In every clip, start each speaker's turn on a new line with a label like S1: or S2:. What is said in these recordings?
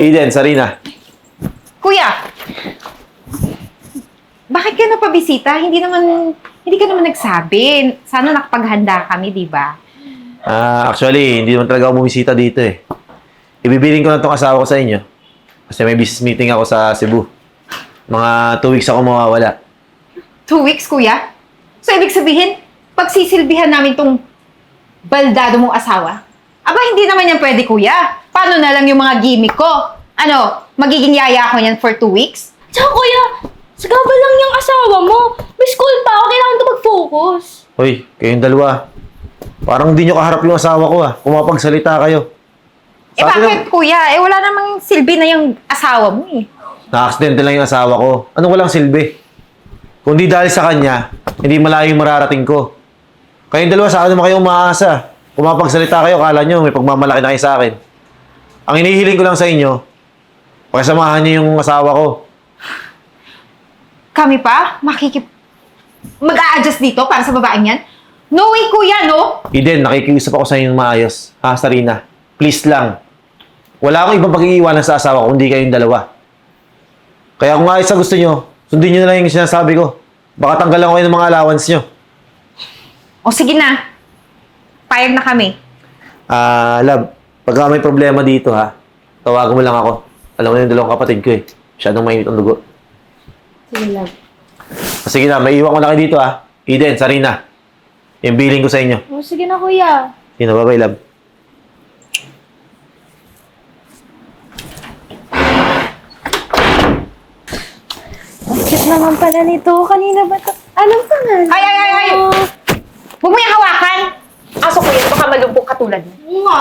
S1: Eden, Sarina.
S2: Kuya, bakit ka napabisita? Hindi ka naman nagsabi. Sana nakapaghanda kami, di ba?
S1: Actually, hindi naman talaga ako bumisita dito eh. Ibibiling ko na itong asawa ko sa inyo. Kasi may business meeting ako sa Cebu. Mga 2 weeks ako mawawala.
S2: 2 weeks, kuya? So, ibig sabihin, pagsisilbihan namin tong baldado mong asawa? Aba, hindi naman yan pwede, kuya. Paano na lang yung mga gimmick ko? Ano, magiging yaya ko yan for 2 weeks?
S3: Tsaka kuya, sagabal lang yung asawa mo. May school pa ako, kailangan to mag-focus.
S1: Hoy, kayong dalawa. Parang hindi nyo kaharap yung asawa ko ah. Kung mapagsalita kayo.
S2: Eh, bakit, kuya? Eh, wala namang silbi na yung asawa mo eh.
S1: Na-accident lang yung asawa ko. Anong walang silbi? Kung di dahil sa kanya, hindi malayo yung mararating ko. Kayong dalawa, saan naman kayo umaasa? Kung mapagsalita kayo, kala nyo may pagmamalaki na kayo sa akin. Ang hinihiling ko lang sa inyo, pakisamahan niyo yung asawa ko.
S2: Kami pa? Mag-a-adjust dito para sa babaeng yan? No way, kuya, no?
S1: Eden, nakikiusap ako sa inyo ng maayos. Ha, Sarina? Please lang. Wala akong ibang pag-iiwanan sa asawa ko, kundi kayong dalawa. Kaya kung ayos sa gusto nyo, sundin nyo na lang yung sinasabi ko. Baka tanggalan ko kayo ng mga allowance nyo.
S2: O sige na. Payag na kami.
S1: Love, pagka may problema dito ha, tawagan mo lang ako. Alam mo yung dalawang kapatid ko eh. Masyadong mainit ang dugo.
S3: Sige, love.
S1: Sige na, may iwan ko na kayo dito ha. Eden, Sarina. Yung billing ko sa inyo.
S3: Oh, sige na kuya.
S1: Sige na, bye-bye, love.
S3: Ang cute naman pala nito. Kanina ba ito? Anong pangalan?
S2: Ay! Huwag mo yung hawakan! Aso ko yan, baka malumpok katulad mo.
S3: Nga.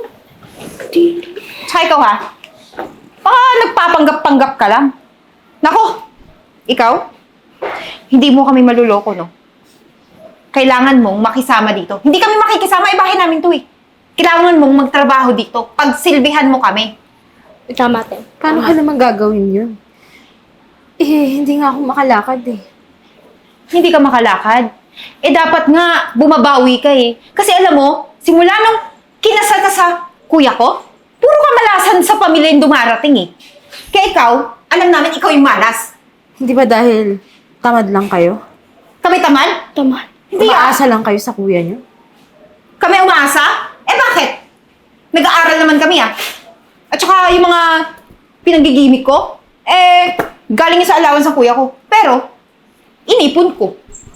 S2: Tsaka ikaw ha? Baka nagpapanggap-panggap ka lang. Nako! Ikaw? Hindi mo kami maluloko, no? Kailangan mong makisama dito. Hindi kami makikisama, bahay namin to eh. Kailangan mong magtrabaho dito. Pagsilbihan mo kami.
S3: Tama, te.
S4: Paano ka naman gagawin yun? Eh, hindi nga ako makalakad eh.
S2: Hindi ka makalakad. Eh, dapat nga bumabawi ka eh. Kasi alam mo, simula nung kinasal ka sa kuya ko, puro kamalasan sa pamilya yung dumarating eh. Kaya ikaw, alam namin ikaw yung malas.
S4: Hindi ba dahil tamad lang kayo?
S2: Kami tamad?
S3: Tama.
S2: Hindi
S4: Umaasa lang kayo sa kuya niyo?
S2: Kami umaasa? Eh bakit? Nag-aaral naman kami ah. At saka yung mga pinanggigimik ko, eh, galing yung sa allowance ng kuya ko. Pero, inipon ko.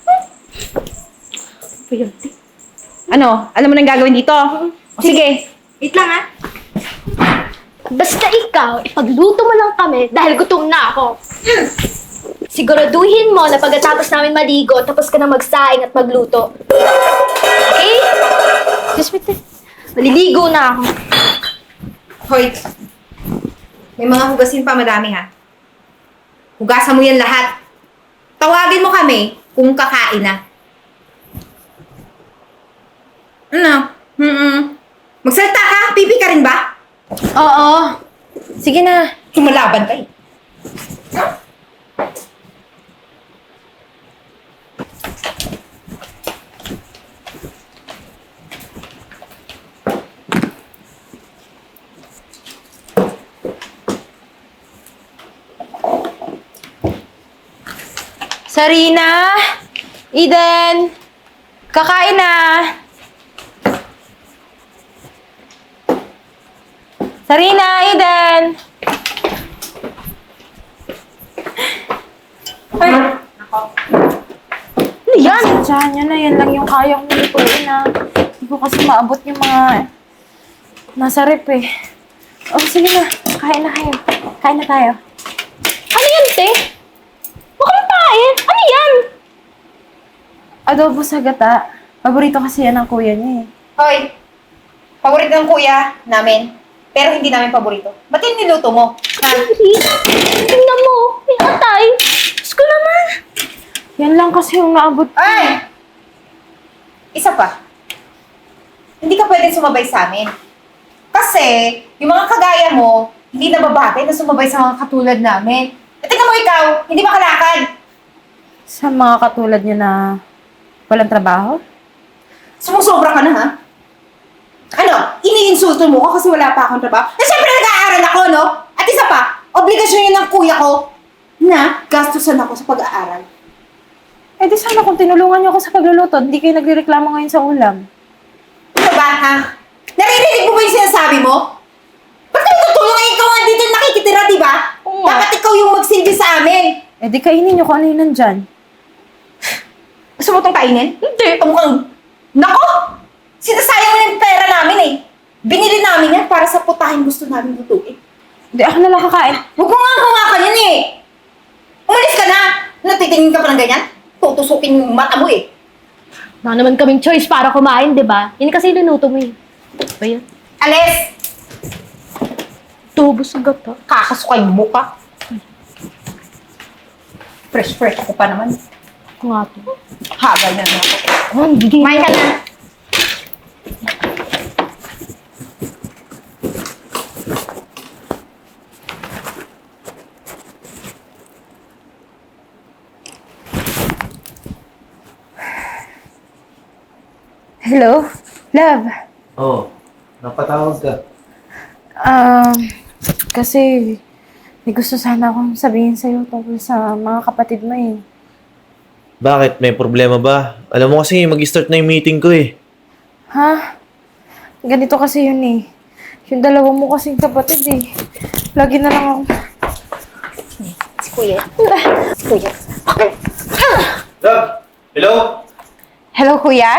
S2: Ano? Alam mo nang gagawin dito? O sige.
S3: Wait lang ah. Basta ikaw, ipagluto mo lang kami dahil gutom na ako. Siguraduhin mo na pagkatapos namin maligo, tapos ka na magsaing at magluto. Okay? Just wait. Maliligo na ako.
S2: Hoy, may mga hugasin pa madami ha. Hugasan mo yan lahat. Tawagin mo kami kung kakain na. Ano? Magsalita ka? Pipi ka rin ba?
S4: Oo. Sige na.
S2: Sumalaban ka eh.
S4: Sarina! Eden! Kakain na! Sarina! Eden!
S2: Ay,
S3: Ano yan?
S4: Sadyahan niyo na, yan lang yung kaya kong lutuin na. Hindi ko kasi maabot yung mga nasa rep eh. Oh, sige na. Kain na kayo. Kain na tayo.
S3: Ano yan, te? Huwag kang pain. Ano yan?
S4: Adobo sa gata. Paborito kasi yan ng kuya niya eh.
S2: Hoy, paborito ng kuya namin. Pero hindi namin paborito. Ba't yung niluto mo? Ha?
S3: Tingnan mo. May atay. Diyos ko naman.
S4: Yan lang kasi yung naabot ko.
S2: Ay! Isa pa. Hindi ka pwedeng sumabay sa amin. Kasi, yung mga kagaya mo, hindi nababatay na sumabay sa mga katulad namin. At tingnan mo ikaw, hindi makalakad.
S4: Sa mga katulad niyo na walang trabaho?
S2: Sumusobra ka na, ha? Ano? Iniinsulto mo ko kasi wala pa akong trabaho? Eh, syempre nag-aaral ako, no? Obligasyon yun ng kuya ko na gastusan ako sa pag-aaral.
S4: Eh di sana kung tinulungan niyo ako sa pagluluto, hindi kayo nagrereklamo ngayon sa ulam.
S2: Ano ba, ha? Naririnig mo ba yung sinasabi mo? Ba't kayo tutulong? Eh, ikaw nga dito nakikitira, di ba?
S4: Oo nga.
S2: Dapat ikaw yung magsilbi sa amin.
S4: Eh di kainin niyo kung ano yung nandyan.
S2: Gusto mo itong kainin? Hindi. Mukhang... Nako! Sinasayang mo na yung pera namin eh. Binili namin yan para sa putahin gusto namin lutuin.
S4: Hindi, ako na lang kakain.
S2: Huwag mo nga hawakan yan eh. Umalis ka na. Natitingin ka pa ng ganyan? Tutusukin yung mata mo eh.
S3: Wala naman kaming choice para kumain, di ba? Yun kasi niluto mo eh. Ano ba yan?
S2: Alis!
S3: Tubo sa gata.
S2: Kakasukay mo ka. Fresh ako pa naman.
S3: Ako nga to.
S2: Hagal na ako.
S3: Oh, bigay.
S2: Kumain ka na.
S4: Hello? Love?
S1: Oo. Napatawag ka.
S4: Kasi may gusto sana akong sabihin sa'yo tungkol sa mga kapatid mo eh.
S1: Bakit? May problema ba? Alam mo kasi mag-start na yung meeting ko eh.
S4: Ha? Ganito kasi yun eh. Yung dalawa mo kasing kapatid eh. Lagi na lang ako...
S2: Si Kuya. Si Kuya.
S1: Love! Hello?
S2: Hello, Kuya?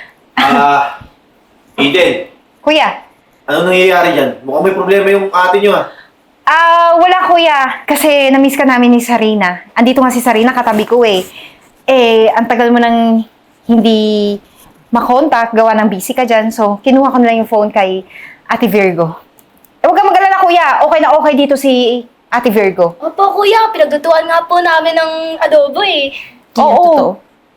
S1: Eden.
S2: Kuya?
S1: Anong nangyayari dyan? Mukhang may problema yung ate nyo ah.
S2: Wala, Kuya. Kasi na-miss ka namin ni Sarina. Andito nga si Sarina, katabi ko eh. Eh, ang tagal mo nang hindi makontak, gawa ng busy ka dyan. So, kinuha ko na lang yung phone kay Ate Virgo. Eh, huwag kang mag-alala, Kuya. Okay na okay dito si Ate Virgo.
S3: Opo, kuya. Pinagdutuan nga po namin ng adobo eh.
S2: Oo.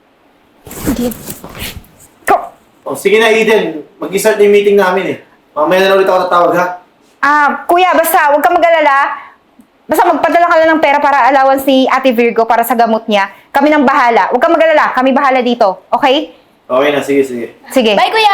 S1: Oh, sige na Eden. Mag-start na yung meeting namin eh. Mamaya na ulit ako tatawag ha.
S2: Kuya, basta huwag kang mag-alala. Basta magpadala ka lang ng pera para allowance ni Ate Virgo para sa gamot niya. Kami nang bahala. Huwag kang mag-alala. Kami bahala dito. Okay?
S1: Okay na, sige.
S2: Sige.
S3: Bye, kuya!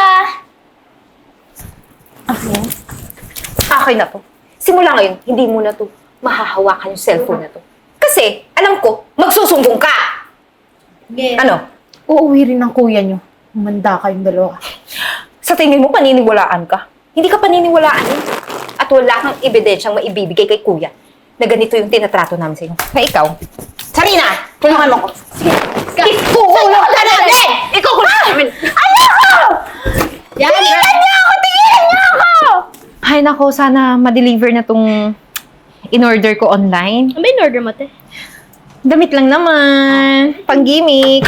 S2: Akin na to. Simula ngayon, hindi mo na to mahahawakan yung cellphone na to. Kasi, alam ko, magsusumbong ka.
S3: Yes.
S2: Ano?
S4: Uuwi rin ng kuya niyo. Umanda kayong dalawa.
S2: Sa tingin mo, paniniwalaan ka? Hindi ka paniniwalaan eh. At wala kang ebidensyang maibibigay kay kuya na ganito yung tinatrato namin sa inyo. Kaya ikaw, Sarina, tulungan mo ko. Ikukulong ka namin! Ikukulong namin! Ano ko?
S3: Yan,
S2: Tingilan niyo ako! Tingilan niyo ako! Ay nako, sana ma-deliver na tong in-order ko online.
S3: Ano ba yung order mo, te?
S2: Damit lang naman. Pang-gimmick.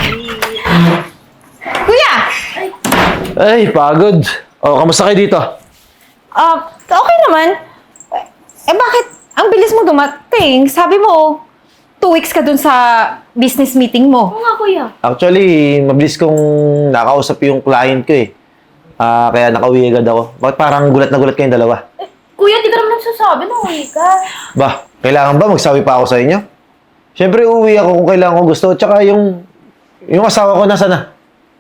S2: Kuya!
S1: Ay, pagod. Oh, kamusta kayo dito?
S2: Okay naman. Eh bakit ang bilis mo dumating? Sabi mo, 2 weeks ka dun sa business meeting mo.
S3: Oo nga, kuya.
S1: Actually, mabilis kong nakausap yung client ko eh. Kaya nakauwi agad ako. Bakit parang gulat na gulat kayong dalawa?
S3: Kuya, di ka naman nagsasabi na uwi ka.
S1: Ba, kailangan ba magsabi pa ako sa inyo? Siyempre, uuwi ako kung kailangan ko gusto. Tsaka yung asawa ko nasa na?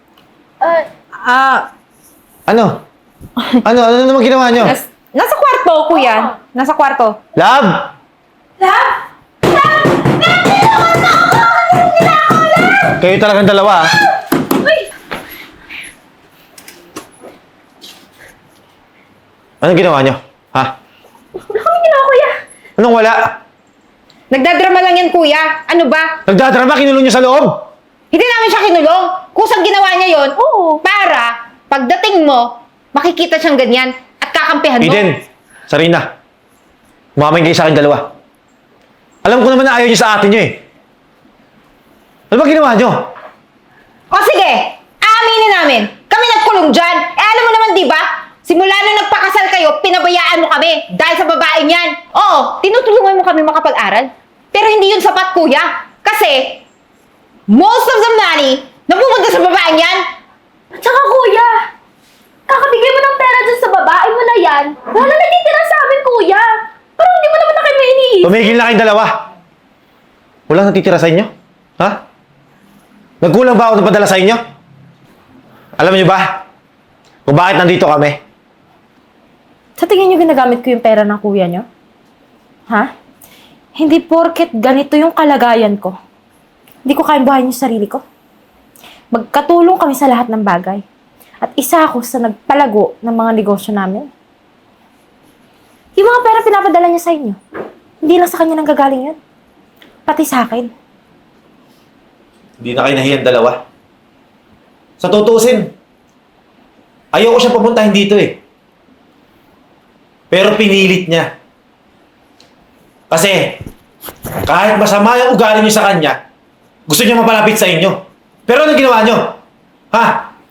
S1: Ano? Ano naman ginawa nyo?
S2: Nasa kwarto, kuya. Nasa kwarto.
S1: Love! Kayo talagang dalawa ah. Anong ginawa nyo? Ha?
S3: Wala kami ginawa, kuya.
S1: Anong wala?
S2: Nagdadrama lang yan, kuya. Ano ba?
S1: Nagdadrama, kinulong nyo sa loob?
S2: Hindi namin siya kinulong. Kusang ginawa niya yon. Oo. Para, pagdating mo, makikita siyang ganyan at kakampihan mo.
S1: Eden, Sarina, umamain kayo sa akin dalawa. Alam ko naman na ayaw nyo sa atin nyo eh. Ano ba ginawa nyo?
S2: O sige, aaminin namin. Kami nagkulong dyan. Eh alam mo naman, di ba? Simula nung nagpakasal kayo, pinabayaan mo kami dahil sa babaeng yan. Oo, tinutulungan mo kami makapag-aral. Pero hindi yun sapat, kuya. Kasi, most of the money napupunta sa babaeng yan.
S3: At saka, kuya, kakabigay mo ng pera dyan sa babae mo na yan. Wala natitira sa amin, kuya. Parang hindi mo naman na kayo iniisip.
S1: Tumigil na kayong dalawa. Walang natitira sa inyo? Ha? Nagkulang ba ako ng padala sa inyo? Alam niyo ba kung bakit nandito kami?
S4: Sa tingin niyo ginagamit ko yung pera ng kuya niyo? Ha? Hindi porket ganito yung kalagayan ko. Hindi ko kayang buhayin yung sarili ko. Magkatulong kami sa lahat ng bagay. At isa ako sa nagpalago ng mga negosyo namin. Yung mga pera pinapadala niya sa inyo, hindi lang sa kanya nang gagaling yun. Pati sa akin.
S1: Hindi na kayo nahiyang dalawa. Sa tutusin, ayoko siya papuntahin dito eh. Pero pinilit niya. Kasi, kahit masama yung ugali niyo sa kanya, gusto niya mapalapit sa inyo. Pero anong ginawa niyo? Ha?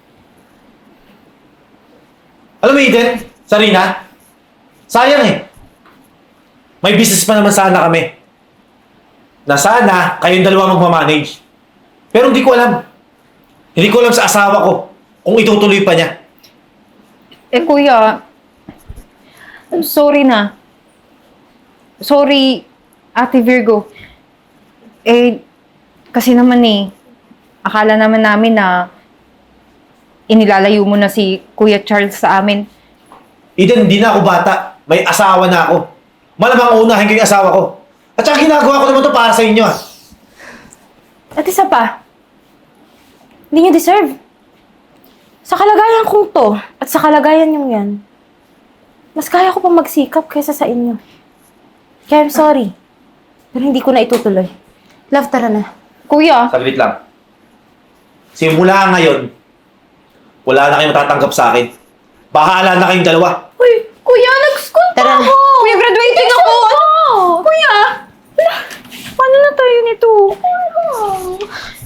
S1: Alam mo, Eden, Sarina, sayang eh. May business pa naman sana kami. Na sana kayong dalawa magmamanage. Pero hindi ko alam. Hindi ko alam sa asawa ko kung itutuloy pa niya.
S2: Eh, kuya, I'm sorry na. Sorry, Ate Virgo. Eh, kasi naman eh, akala naman namin na inilalayo mo na si Kuya Charles sa amin.
S1: Eden, hindi na ako bata. May asawa na ako. Malamang unahin ko yung asawa ko. At saka ginagawa ko naman to para sa inyo ah.
S4: At isa pa, hindi niyo deserve. Sa kalagayan kong to, at sa kalagayan yung yan, mas kaya ko pang magsikap kaysa sa inyo. Kaya I'm sorry. Pero hindi ko na itutuloy. Love, tara na.
S2: Kuya,
S1: Saglit lang. Simula ngayon, wala na kayong matatanggap sa akin. Bahala na kayong dalawa.
S2: uy, kuya, nag-school pa
S4: Tara na.
S2: ako! Kuya, graduating ako! Kuya! Wala, paano na tayo nito?